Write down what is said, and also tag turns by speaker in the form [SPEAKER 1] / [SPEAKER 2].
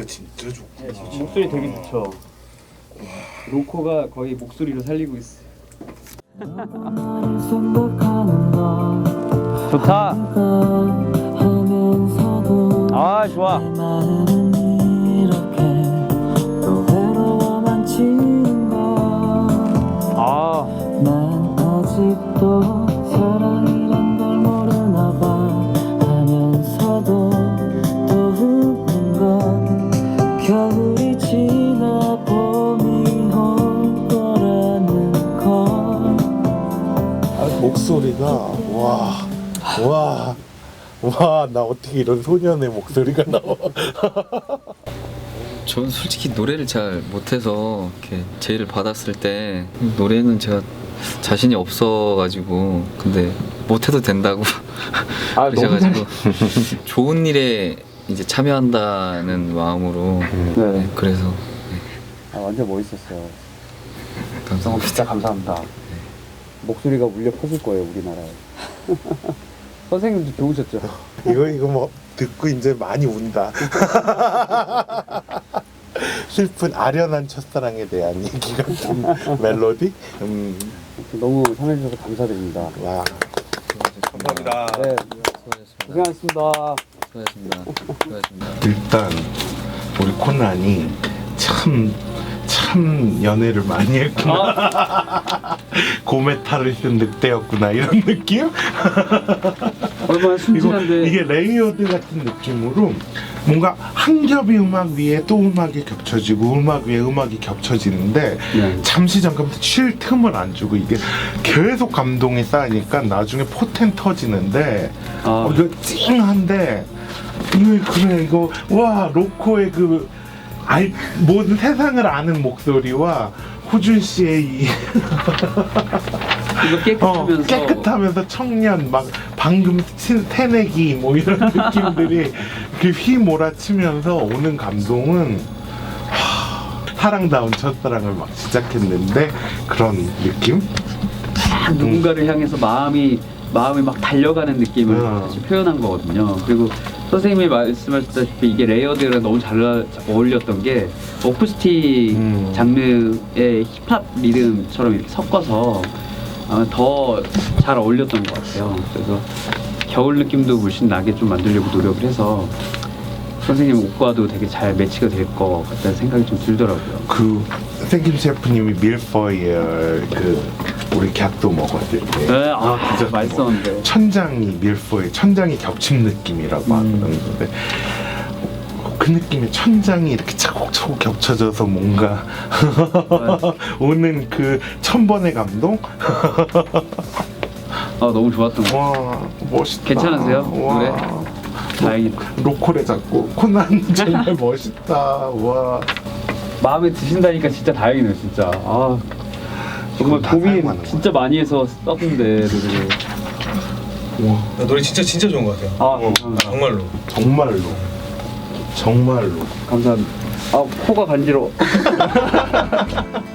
[SPEAKER 1] 진짜 좋구나.
[SPEAKER 2] 네, 목소리 되게 좋죠. 로코가 거의 목소리로 살리고 있어요. 좋다. 아 좋아. 아.
[SPEAKER 3] 난 아직도 사랑이란 걸 모르나 봐 하면서도 또 웃는 건 겨울이 지나 봄이 올 거라는 걸.
[SPEAKER 1] 목소리가 와, 나 어떻게 이런 소년의 목소리가 나와.
[SPEAKER 4] 저는 솔직히 노래를 잘 못해서 이렇게 제의를 받았을 때 노래는 제가 자신이 없어가지고 근데 못해도 된다고 그러셔가지고 좋은 일에 이제 참여한다는 마음으로 네, 그래서 네.
[SPEAKER 2] 완전 멋있었어요.
[SPEAKER 4] 감사합니다.
[SPEAKER 2] 진짜 감사합니다. 목소리가 울려 퍼질 거예요 우리나라에. 선생님도 좋으셨죠?
[SPEAKER 1] 이거 뭐 듣고 이제 많이 운다. 슬픈 아련한 첫사랑에 대한 얘기 같은 멜로디.
[SPEAKER 2] 너무 참여해주셔서 감사드립니다.
[SPEAKER 1] 와.
[SPEAKER 4] 감사합니다.
[SPEAKER 2] 네,
[SPEAKER 4] 수고하셨습니다.
[SPEAKER 2] 고생하셨습니다.
[SPEAKER 4] 수고하셨습니다.
[SPEAKER 1] 일단 우리 코난이 참 연애를 많이 했구나. 고메타를 쓴 늑대였구나 이런 느낌?
[SPEAKER 2] 얼마나 순진한데.
[SPEAKER 1] 이게 레이어드 같은 느낌으로 뭔가 한 겹의 음악 위에 또 음악이 겹쳐지고 음악 위에 음악이 겹쳐지는데
[SPEAKER 2] 네.
[SPEAKER 1] 잠시 잠깐부터 쉴 틈을 안 주고 이게 계속 감동이 쌓이니까 나중에 포텐 터지는데 이거 찡한데 이거 와 로코의 그 모든 세상을 아는 목소리와 호준 씨의 이
[SPEAKER 2] 이거
[SPEAKER 1] 깨끗하면서 청년 막 방금 새내기 뭐 이런 느낌들이 그 휘몰아치면서 오는 감동은 사랑다운 첫사랑을 막 시작했는데 그런 느낌?
[SPEAKER 2] 누군가를 향해서 마음이 막 달려가는 느낌을 사실 표현한 거거든요. 그리고 선생님이 말씀하셨다시피 이게 레이어드랑 너무 잘 어울렸던 게 어쿠스틱 장르의 힙합 리듬처럼 이렇게 섞어서 아마 더 잘 어울렸던 것 같아요. 그래서 겨울 느낌도 물씬 나게 좀 만들려고 노력을 해서 선생님 옷과도 되게 잘 매치가 될 것 같다는 생각이 좀 들더라고요.
[SPEAKER 1] 그 생김 셰프님이 밀포이어 그 우리 갓도 먹었을 때
[SPEAKER 2] 네, 진짜 맛있었는데
[SPEAKER 1] 천장이 겹친 느낌이라고 하는데 그 느낌의 천장이 이렇게 차곡차곡 겹쳐져서 뭔가 오는 그 천번의 감동?
[SPEAKER 2] 너무 좋았던 것 같아요.
[SPEAKER 1] 와 멋있다.
[SPEAKER 2] 괜찮으세요? 노래? 다행이다.
[SPEAKER 1] 로콜에 잡고 코난 정말 멋있다. 와
[SPEAKER 2] 마음에 드신다니까 진짜 다행이네요 진짜. 정말 고민 진짜 많이 해서 썼는데 노래를.
[SPEAKER 5] 노래 진짜 좋은 것 같아요.
[SPEAKER 2] 감사합니다.
[SPEAKER 5] 정말로.
[SPEAKER 2] 감사합니다. 코가 간지러워.